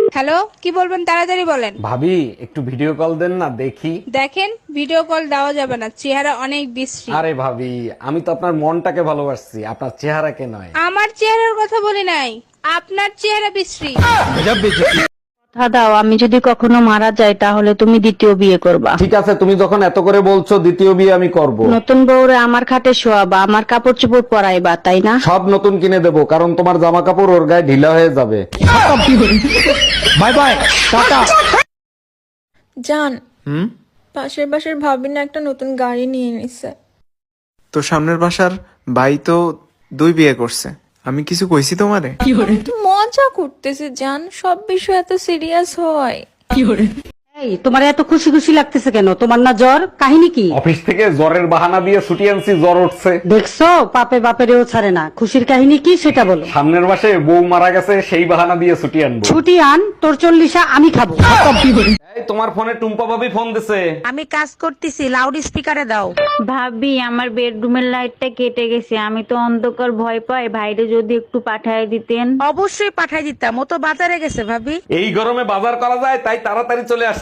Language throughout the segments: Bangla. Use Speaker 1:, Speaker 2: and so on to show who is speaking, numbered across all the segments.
Speaker 1: হ্যালো, কি বলবেন তাড়াতাড়ি বলেন।
Speaker 2: ভাবি একটু ভিডিও কল দেন না দেখি।
Speaker 1: দেখেন, ভিডিও কল দেওয়া যাবে না, চেহারা অনেক বিশ্রী।
Speaker 2: আরে ভাবি, আমি তো আপনার মনটাকে ভালোবাসছি, আপনার চেহারাকে নয়।
Speaker 1: আমার চেহারার কথা বলি নাই, আপনার চেহারা বিশ্রী।
Speaker 3: কথা দাও, আমি যদি কখনো মারা যাই তাহলে তুমি দ্বিতীয় বিয়ে করবা।
Speaker 2: ঠিক আছে, তুমি যখন এত করে বলছো, দ্বিতীয় বিয়ে আমি করব।
Speaker 3: নতুন বউরে আমার খাটে শোয়াবা, আমার কাপড় চোপড় পরাইবা, তাই না?
Speaker 2: সব নতুন কিনে দেবো, কারণ তোমার জামা কাপড় ওর গায়ে ঢিলা হয়ে যাবে। Bye bye, tata.
Speaker 4: জান, পাশের বাসার ভাবি না একটা নতুন গাড়ি নিয়ে নিছে।
Speaker 5: তো সামনের বাসার ভাই তো 2 বিয়ে করছে, আমি কিছু কইছি তোমারে?
Speaker 4: তো মজা করতেছে জান, সব বিষয় এত সিরিয়াস হয়?
Speaker 3: এই, তোমার এত খুশি খুশি লাগতেছে কেন? তোমার না জ্বর? কাহিনী কি?
Speaker 2: অফিস থেকে জ্বরের বাহানা দিয়ে ছুটি আনছি, জ্বর উঠছে।
Speaker 3: দেখছো, পাপে বাপেরেও ছাড়ে না। খুশির কাহিনী কি সেটা বলো।
Speaker 2: সামনের মাসে বউ মারা গেছে, সেই বাহানা দিয়ে ছুটি আনবো।
Speaker 3: ছুটি আন, তোর 40 আমি খাবো।
Speaker 2: এই, তোমার ফোনে টুম্পা ভাবি ফোন দিছে।
Speaker 3: আমি কাজ করতেছি, লাউড স্পিকারে দাও। ভাবি, আমার বেডরুমের লাইটটা কেটে গেছে, আমি তো অন্ধকার ভয় পাই, ভাইরে যদি একটু পাঠায় দিতেন।
Speaker 1: অবশ্যই পাঠাই দিতাম, ও তো বাজারে গেছে ভাবি।
Speaker 2: এই গরমে বাজার করা যায়, তাই তাড়াতাড়ি চলে আসলাম।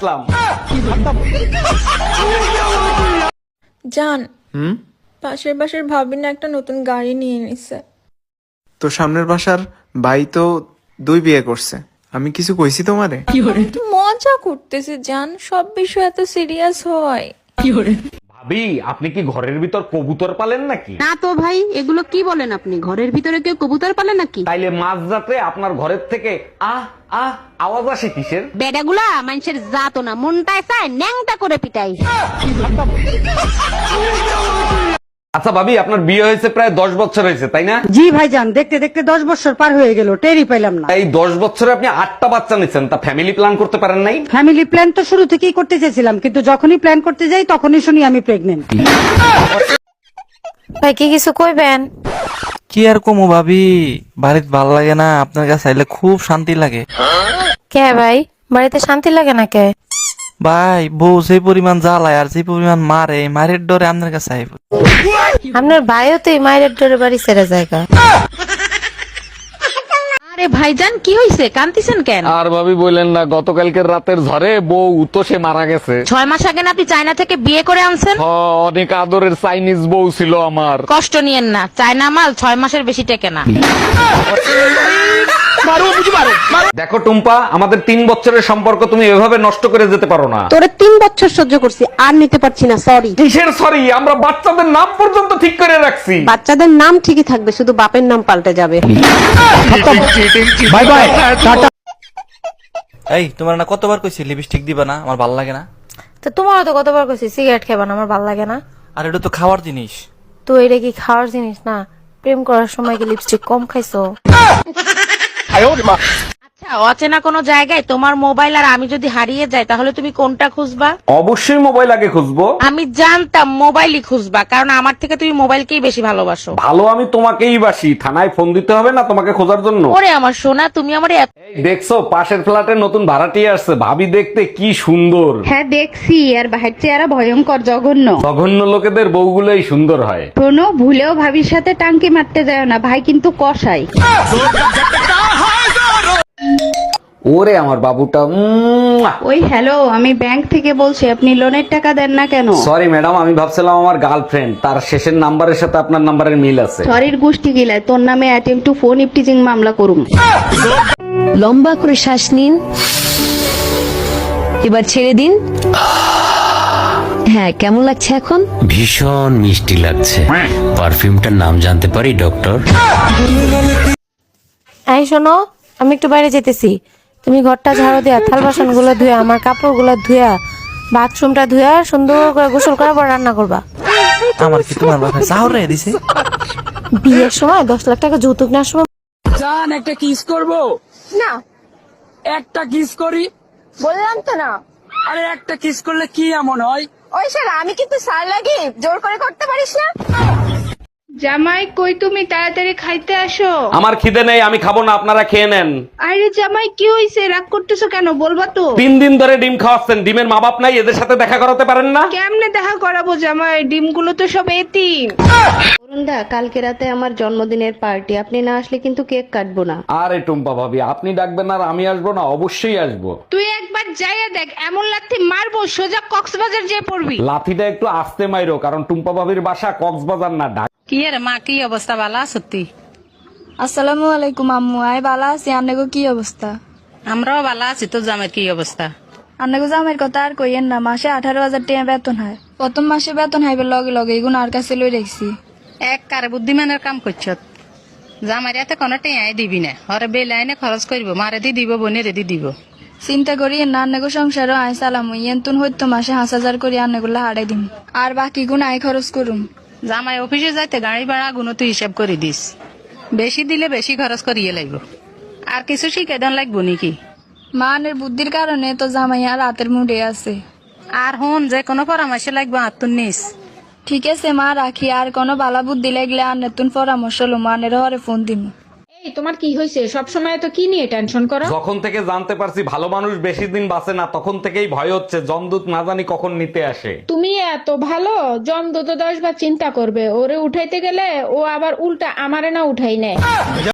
Speaker 4: জান, পাশের বাসার ভাবি না একটা নতুন গাড়ি নিয়ে নিছে।
Speaker 5: তো সামনের বাসার ভাই তো 2 বিয়ে করছে, আমি কিছু কইছি তোমারে?
Speaker 4: তো মজা করতেছে জান, সব বিষয় এত সিরিয়াস হয়?
Speaker 2: ভাবি, আপনি কি ঘরের ভিতর কবুতর পালেন নাকি?
Speaker 3: না তো ভাই, এগুলো কি বলেন আপনি? ঘরের ভিতরে কেউ কবুতর পালে নাকি?
Speaker 2: তাইলে মাঝরাতে আপনার ঘরের থেকে আহ আহ আওয়াজ আসে কিসের?
Speaker 3: বেডাগুলা মানুষের জাতো না, মনটায় চায় ন্যাংটা করে পিটাই।
Speaker 2: আচ্ছা ভাবি, আপনার বিয়ে হয়েছে প্রায় 10 বছর হয়েছে, তাই না?
Speaker 3: জি ভাইজান, দেখতে দেখতে 10 বছর পার হয়ে গেল, টেরই পাইলাম না।
Speaker 2: এই 10 বছরে আপনি 8টা বাচ্চা নিচ্ছেন, তা ফ্যামিলি প্ল্যান করতে পারেন নাই?
Speaker 3: ফ্যামিলি প্ল্যান তো শুরু থেকেই করতে চেয়েছিলাম, কিন্তু যখনই প্ল্যান করতে যাই তখনই শুনি আমি প্রেগনেন্ট।
Speaker 6: ভাই কি কিছু কইবেন?
Speaker 7: কি আর কমু ভাবি, বাড়িতে ভাল লাগে না, আপনার কাছে আইলে খুব শান্তি লাগে।
Speaker 6: কে ভাই, বাড়িতে শান্তি লাগে না কে?
Speaker 7: ভাই, বউ সেই পরিমাণ জ্বালায় আর সেই পরিমাণ মারে, মারের ডরে আপনার কাছে আইব।
Speaker 6: আপনার ভাইও তো এই মায়ের ডোরে বাড়ি ছেড়ে জায়গা।
Speaker 1: আরে ভাইজান, কি হইছে, কান্দিছেন কেন?
Speaker 2: আর ভাবি বললেন না, গতকালকের রাতের ঝড়ে বউ তো সে মারা গেছে।
Speaker 1: 6 মাস আগে না আপনি চায়না থেকে বিয়ে করে আনছেন?
Speaker 2: অনেক আদরের চাইনিজ বউ ছিল আমার।
Speaker 1: কষ্ট নিয়েন না, চায়না মাল 6 মাসের বেশি টেকে না।
Speaker 2: দেখো টুম্পা, আমাদের 3 বছরের সম্পর্ক তুমি এভাবে নষ্ট করে যেতে পারো না।
Speaker 3: তোরে 3 বছর সহ্য করছি, আর নিতে পারছি না, সরি।
Speaker 2: কিসের সরি? আমরা বাচ্চাদের নাম পর্যন্ত ঠিক করে রাখছি।
Speaker 3: বাচ্চাদের নাম ঠিকই থাকবে, শুধু বাপের নাম পাল্টে যাবে।
Speaker 2: Bye bye, tata.
Speaker 7: এই, তোমার না কতবার কইছি লিপস্টিক দিবা না, আমার ভাল লাগে না।
Speaker 6: তো তোমারও তো কতবার কইছি সিগারেট খাবা না, আমার ভালো লাগে না।
Speaker 7: আর এটা তো খাওয়ার জিনিস।
Speaker 6: তো এটা কি খাওয়ার জিনিস না? প্রেম করার সময় কি লিপস্টিক কম খাইছো?
Speaker 1: আচ্ছা, অচেনা কোনো জায়গায় তোমার মোবাইল আর আমি যদি হারিয়ে যাই, তাহলে তুমি কোনটা খুঁজবা?
Speaker 2: অবশ্যই মোবাইল আগে খুঁজবো।
Speaker 1: আমি জানতাম মোবাইলই খুঁজবা, কারণ আমার থেকে তুমি মোবাইলকেই বেশি ভালোবাসো।
Speaker 2: ভালো, আমি তোমাকেই বাসি। থানায় ফোন দিতে হবে না তোমাকে খোঁজার জন্য।
Speaker 1: ওরে আমার সোনা, তুমি আমার
Speaker 2: এই দেখছো, পাশের ফ্ল্যাটে নতুন ভাড়াটিয়া আসছে, ভাবি দেখতে কি সুন্দর।
Speaker 3: হ্যাঁ দেখছি, আর বাহির চেহারা ভয়ঙ্কর, জঘন্য।
Speaker 2: জঘন্য লোকেদের বউগুলোই সুন্দর হয়।
Speaker 3: শোনো, ভুলেও ভাবির সাথে টাঙ্কি মারতে যায় না, ভাই কিন্তু কসাই।
Speaker 2: ওরে আমার বাবুটা।
Speaker 3: ওই হ্যালো, আমি ব্যাংক থেকে বলছি, আপনি লোনের টাকা দেন না কেন?
Speaker 2: সরি ম্যাডাম, আমি ভাবছিলাম আমার গার্লফ্রেন্ড, তার শেষের নাম্বারের সাথে আপনার নাম্বারের মিল আছে।
Speaker 3: সরির গোষ্ঠী গিলায়, তোর নামে অ্যাটেম্প টু ফোন ইফটিজিং মামলা করুম।
Speaker 8: লম্বা করে শ্বাস নিন, এবার ছেড়ে দিন। হ্যাঁ, কেমন লাগছে এখন?
Speaker 9: ভীষণ মিষ্টি লাগছে। পারফিউমটার নাম জানতে পারি ডক্টর?
Speaker 6: এই শোনো, আমি একটু বাইরে যেতেছি, তুমি ঘরটা ঝাড়ু দেয়া, থাল বাসন গুলো ধুয়া, আমার কাপড় গুলো ধুয়া, বাথরুমটা ধুয়া সুন্দর করে গোসল করার পর রান্না করবা।
Speaker 7: আমার কি তোমার বাপে চাউর রে দিছে?
Speaker 6: বিয়ের সময় 10 লাখ টাকা যৌতুক নেওয়ার সময়
Speaker 10: জান, একটা কিস করবো
Speaker 4: না,
Speaker 10: একটা কিস করি
Speaker 4: বললাম তো না।
Speaker 10: আরে একটা কিস করলে কি এমন হয়?
Speaker 4: ওই শালা, আমি কিন্তু সার লাগি, জোর করে করতে পারিস না। জামাই কই তুমি তাড়াতাড়ি খাইতে আসো।
Speaker 2: আমার খিদে নেই, আমি খাবো না, আপনারা খেয়ে নেন।
Speaker 4: আরে জামাই কি হইছে, রাগ করতেছো কেন, বলবা তো।
Speaker 2: 3 দিন ধরে ডিম খাওয়াচ্ছেন, ডিমের মা বাপ নাই, এদের সাথে দেখা করাতে পারেন না?
Speaker 4: কেমনে দেখা করাবো জামাই, ডিমগুলো তো সব এতিম।
Speaker 8: অরুণদা, কালকে রাতে আমার জন্মদিনের পার্টি, আপনি না আসলে কিন্তু কেক কাটবো না।
Speaker 2: আরে টুম্পা ভাবি, আপনি ডাকবেন আর আমি আসবো না? অবশ্যই আসবো।
Speaker 4: তুই একবার যাইয়া দেখ, এমন লাথি মারবো সোজা কক্সবাজার যেয়ে পড়বি।
Speaker 2: লাথিটা একটু আস্তে মাইরো, কারণ টুম্পা ভাবির বাসা কক্সবাজার না, ঢাকা।
Speaker 1: কি রে মা, কি অবস্থা? ভালো আছো তুই?
Speaker 4: আসসালামু আলাইকুম আম্মু, আই বালা আছি, আন্নাগো কি অবস্থা?
Speaker 1: আমরাও ভালো আছি। তো জামের কি অবস্থা?
Speaker 4: আন্নাগো জামের কথা আর কইয়েন না, মাসে 18,000 টাকা বেতন হয়। প্রথম মাসে বেতন হাইবে লগে লগে এগুন আর কাছে লই রাখছি।
Speaker 1: এক কারে বুদ্ধিমানের কাম করছ। জামার এতে কোনো টেঁয়াই দিবি না, হরে বেলাইনে খরচ করবো, মারে দি দিব, বোনের দি দিব।
Speaker 4: চিন্তা করি না, আন্নাগো সংসারও আই চালামু, ইয়েন্তুন হইতো মাসে 5,000 করে আন্নাগুলা হারাই দিম, আর বাকি গুণ আই খরচ করুম।
Speaker 1: জামাই অফিসে যাইতে গাড়ি ভাড়া গুণ তুই হিসাব করে দিস, বেশি দিলে বেশি খরচ করিয়ে লাগব। আর কিছু শিখে দেন লাগবো নাকি?
Speaker 4: মানের বুদ্ধির কারণে তো জামাই আর রাতের মুডে আছে।
Speaker 1: আর হন, যে কোনো পরামর্শ লাগবে আত্মন নিস।
Speaker 4: ঠিক আছে মা, রাখি, আর কোনো বালা বুদ্ধি লাগলে আর নতুন পরামর্শ লো, মানের হরে ফোন দিম।
Speaker 3: এই তোমার কি হয়েছে? সব সময় তো কি নিয়ে টেনশন করো?
Speaker 2: যখন থেকে জানতে পারছি ভালো মানুষ বেশি দিন বাঁচে না, তখন থেকেই ভয় হচ্ছে জমদূত না জানি কখন নিতে আসে।
Speaker 3: তুমি এত ভালো, জমদূত 10 বার চিন্তা করবে, ওরে উঠাইতে গেলে ও আবার উল্টা আমারে না উঠাই নেয়।